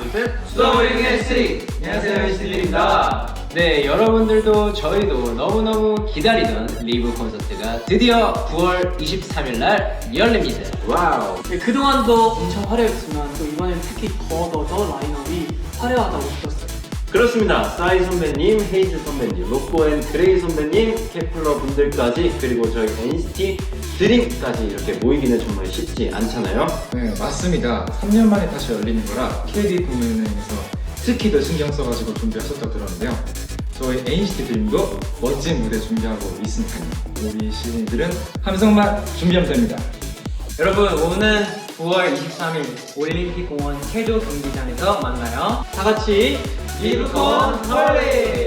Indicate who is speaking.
Speaker 1: 둘, 셋.
Speaker 2: 수다버리는 S3. 안녕하세요, NCT입니다. 네, 여러분들도 저희도 너무너무 기다리던 리브 콘서트가 드디어 9월 23일 날 열립니다.
Speaker 1: 와우.
Speaker 3: 네, 그동안도 엄청 화려했지만 또 이번엔 특히 더 라인업이 화려하다고 느꼈어요.
Speaker 1: 그렇습니다. 싸이 선배님, 헤이즈 선배님, 로꼬 앤 그레이 선배님, 케플러 분들까지 그리고 저희 NCT 드림까지 이렇게 모이기는 정말 쉽지 않잖아요.
Speaker 4: 네, 맞습니다. 3년 만에 다시 열리는 거라 KD 공연회에서 특히 더 신경 써가지고 준비하셨다고 들었는데요. 저희 NCT 드림도 멋진 무대 준비하고 있으니까요. 우리 시민들은 함성만 준비하면 됩니다.
Speaker 5: 여러분, 오는 9월 23일 올림픽공원 체조 경기장에서 만나요.
Speaker 3: 다 같이
Speaker 2: 리브콘 홀리!